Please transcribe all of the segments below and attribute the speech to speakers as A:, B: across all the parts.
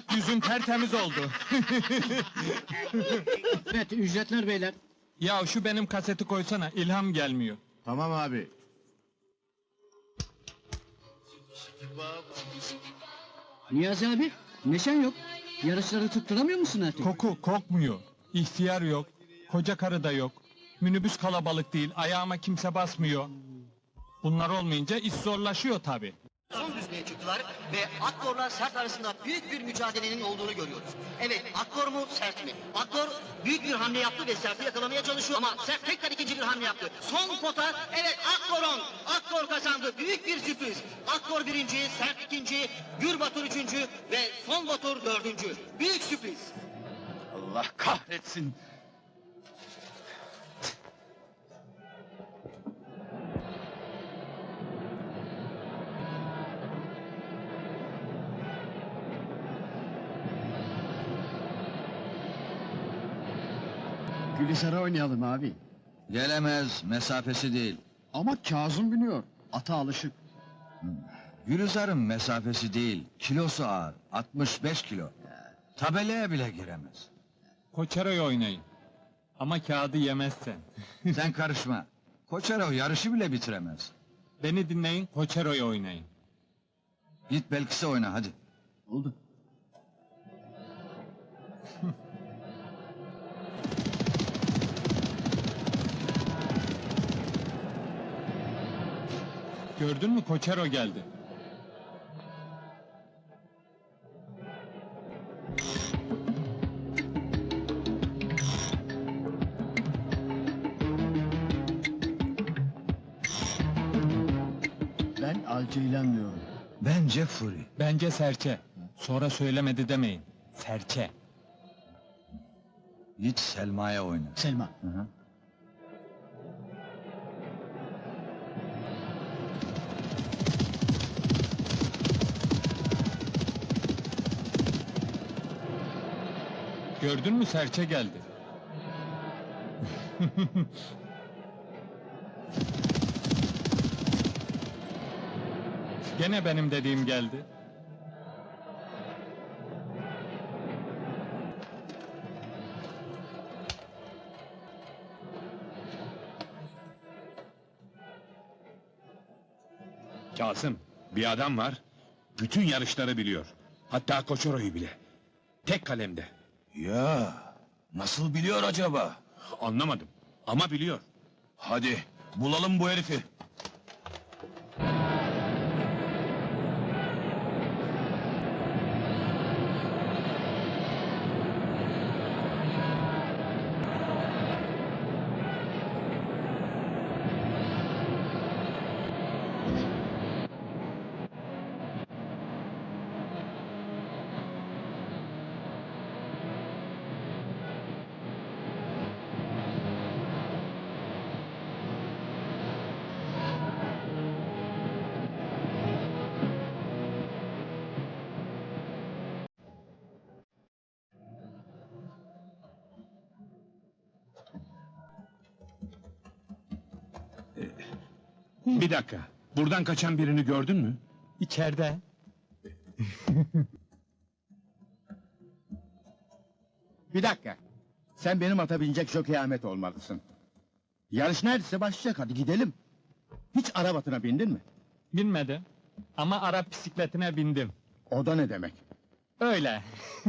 A: Yüzün tertemiz oldu.
B: Evet, ücretler beyler.
A: Ya şu benim kaseti koysana, ilham gelmiyor.
C: Tamam abi.
B: Niyazi abi, neşen yok. Yarışları tutturamıyor musun artık?
A: Koku, kokmuyor. İhtiyar yok. Koca karı da yok. Minibüs kalabalık değil, ayağıma kimse basmıyor. Bunlar olmayınca iş zorlaşıyor tabi.
D: Son düzlüğe çıktılar ve Akkor'la Sert arasında büyük bir mücadelenin olduğunu görüyoruz. Evet, Akkor mu, Sert mi? Akkor büyük bir hamle yaptı ve Sert'i yakalamaya çalışıyor ama Sert tekrar ikinci bir hamle yaptı. Son pota, evet Akkor'un, Akkor kazandı. Büyük bir sürpriz. Akkor birinci, Sert ikinci, Gür Batur üçüncü ve Son Batur dördüncü. Büyük sürpriz.
C: Allah kahretsin.
B: Gülizar'a oynayalım abi.
E: Gelemez, mesafesi değil.
B: Ama Kazım biniyor. Ata alışık.
E: Gülizar'ın mesafesi değil, kilosu ağır, 65 kilo. Tabelaya bile giremez.
A: Koçeroy oynayın. Ama kağıdı yemezsen.
E: Sen karışma. Koçarov yarışı bile bitiremez.
A: Beni dinleyin, Koçeroy oynayın.
E: Git Belkıs'a oyna hadi.
B: Oldu.
A: Gördün mü, Koçero geldi.
B: Ben Alceylan diyorum.
E: Bence Fury.
A: Bence serçe. Sonra söylemedi demeyin. Serçe.
E: Git Selma'ya oyna.
B: Selma.
E: Hı hı.
A: Gördün mü, serçe geldi. Gene benim dediğim geldi.
F: Kasım, bir adam var, bütün yarışları biliyor. Hatta Koçoro'yu bile. Tek kalemde.
C: Ya nasıl biliyor acaba?
F: Anlamadım ama biliyor.
C: Hadi bulalım bu herifi.
F: Bir dakika, buradan kaçan birini gördün mü?
A: İçeride.
G: Bir dakika. Sen benim ata binecek Jockey Ahmet olmalısın. Yarış neredeyse başlayacak, hadi gidelim. Hiç Arap atına bindin mi?
A: Binmedim. Ama Arap bisikletine bindim.
G: O da ne demek?
A: Öyle.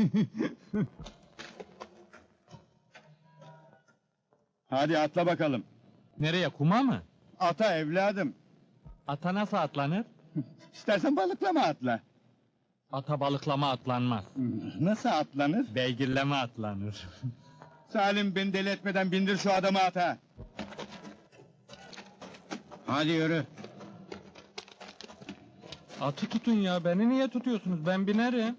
G: Hadi atla bakalım.
A: Nereye, kuma mı?
G: Ata evladım.
A: Ata nasıl atlanır?
G: İstersen balıklama atla.
A: Ata balıklama atlanmaz.
G: Nasıl atlanır?
A: Beygirleme atlanır.
G: Salim, beni deli etmeden bindir şu adamı ata. Hadi yürü.
A: Atı tutun ya, beni niye tutuyorsunuz? Ben binerim.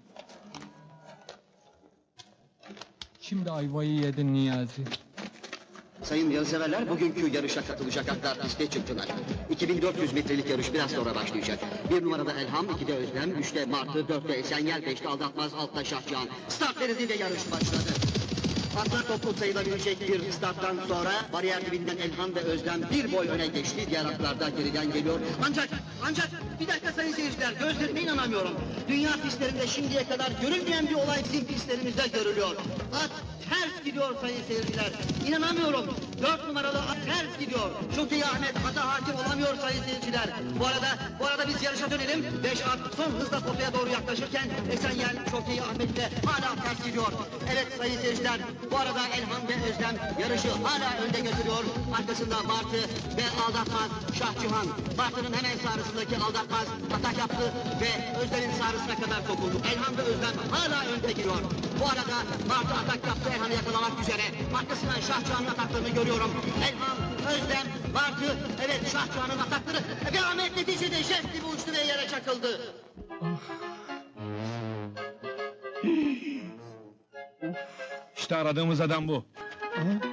A: Şimdi ayvayı yedin Niyazi.
D: Sayın yarışseverler, bugünkü yarışa katılacak atlar piste çıktılar. 2400 metrelik yarış biraz sonra başlayacak. 1 numarada Elham, 2'de Özlem, 3'te Martı, 4'te Esenyel, 5'te Aldatmaz, 6'da Şahcan. Start verildi ve yarış başladı. Atlar toplu sayılabilecek bir starttan sonra bariyer dibinden Elhan ve Özlem bir boy öne geçti. Diğer atlar da geriden geliyor. Ancak bir dakika sayın seyirciler, gözlerime inanamıyorum. Dünya pistlerinde şimdiye kadar görülmeyen bir olay bizim pistlerimizde görülüyor. At ters gidiyor sayın seyirciler. İnanamıyorum. 4 numaralı at ters gidiyor. Şokeyi Ahmet ata hakim olamıyor sayın seyirciler. Bu arada biz yarışa dönelim. 5 at son hızla potaya doğru yaklaşırken Esenyel Şokeyi Ahmet de hala ters gidiyor. Evet sayın seyirciler, bu arada Elhan ve Özlem yarışı hala önde götürüyor. Arkasında Bartı ve Aldatmaz Şahcihan. Bartı'nın hemen sağrısındaki Aldatmaz atak yaptı ve Özlem'in sağrısına kadar sokuldu. Elhan ve Özlem hala önde giriyor. Bu arada Bartı atak yaptı Elhan'ı yakalamak üzere. Arkasından Şahcihan'ın ataklarını görüyorum. Elhan, Özlem, Bartı, evet Şahcihan'ın atakları ve Ahmet neticede jet gibi uçtu ve yere çakıldı.
F: İşte aradığımız adam bu.